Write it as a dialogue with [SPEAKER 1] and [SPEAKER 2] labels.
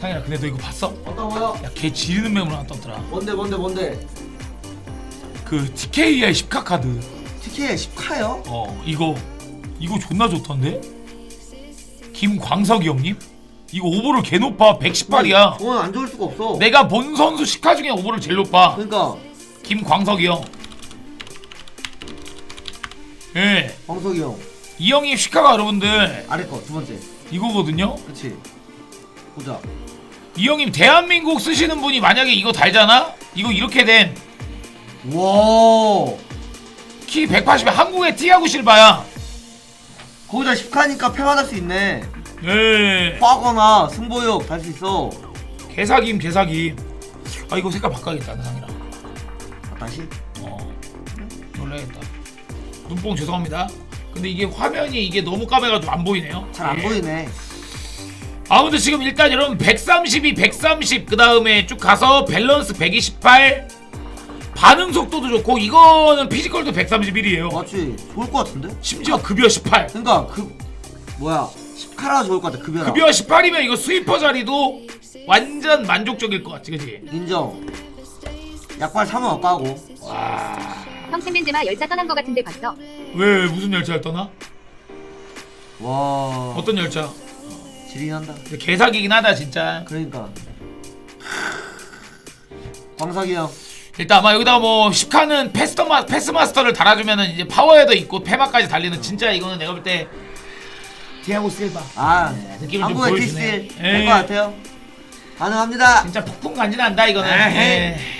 [SPEAKER 1] 상현아 근데 너 이거 봤어?
[SPEAKER 2] 어떤 거요?
[SPEAKER 1] 야 걔 지르는 맵으로 하나 떴더라.
[SPEAKER 2] 뭔데?
[SPEAKER 1] 그 TKI 10카 카드.
[SPEAKER 2] TK의 10카요?
[SPEAKER 1] 이거 존나 좋던데? 김광석이 형님? 이거 오버롤 개 높아. 118이야.
[SPEAKER 2] 그건 안 좋을 수가 없어.
[SPEAKER 1] 내가 본 선수 10카 중에 오버롤 제일 높아.
[SPEAKER 2] 그러니까
[SPEAKER 1] 김광석이 형. 예.
[SPEAKER 2] 광석이 형
[SPEAKER 1] 이 형이 10카가 여러분들
[SPEAKER 2] 아래 거 두 번째.
[SPEAKER 1] 이거거든요.
[SPEAKER 2] 그렇지. 보자.
[SPEAKER 1] 이 형님 대한민국 쓰시는 분이 만약에 이거 달잖아? 이거 이렇게 된 키
[SPEAKER 2] 와.
[SPEAKER 1] 180에 한국의 티아고 실바야.
[SPEAKER 2] 거기다 10카니까 패만할 수 있네.
[SPEAKER 1] 예.
[SPEAKER 2] 파거나 승보역 달 수 있어.
[SPEAKER 1] 개사김. 아 이거 색깔 바꿔야겠다 나상이랑.
[SPEAKER 2] 아, 다시?
[SPEAKER 1] 놀라겠다. 눈뽕 죄송합니다. 근데 이게 화면이 이게 너무 까매가지고 안 보이네요.
[SPEAKER 2] 잘 안
[SPEAKER 1] 예.
[SPEAKER 2] 보이네.
[SPEAKER 1] 아무튼 지금 일단 여러분 132, 130 그 다음에 쭉 가서 밸런스 128 반응 속도도 좋고 이거는 피지컬도 131이에요.
[SPEAKER 2] 맞지? 좋을 것 같은데?
[SPEAKER 1] 심지어 급여 18.
[SPEAKER 2] 그러니까 뭐야 10카라 좋을 것 같아. 급여라.
[SPEAKER 1] 급여 18이면 이거 스위퍼 자리도 완전 만족적일 것 같지, 그지?
[SPEAKER 2] 인정. 약발 사면 아까고.
[SPEAKER 1] 와.
[SPEAKER 3] 형 챔벤제마 열차 떠난 거 같은데 봤어?
[SPEAKER 1] 왜 무슨 열차를 떠나?
[SPEAKER 2] 와.
[SPEAKER 1] 어떤 열차?
[SPEAKER 2] 지리긴 한다.
[SPEAKER 1] 근데 개사기긴 하다 진짜.
[SPEAKER 2] 그러니까. 광석이 형.
[SPEAKER 1] 일단 아마 여기다가 뭐 10칸은 패스마스터를 달아주면은 이제 파워헤더 있고 페마까지 달리는 진짜 이거는 내가 볼 때 디아고 실바.
[SPEAKER 2] 아,
[SPEAKER 1] 느낌을 좀
[SPEAKER 2] 한국의
[SPEAKER 1] 보여주네.
[SPEAKER 2] 티스틸 될것 같아요. 가능합니다.
[SPEAKER 1] 진짜 폭풍 간지난다 이거는.
[SPEAKER 2] 에헤이.
[SPEAKER 1] 예.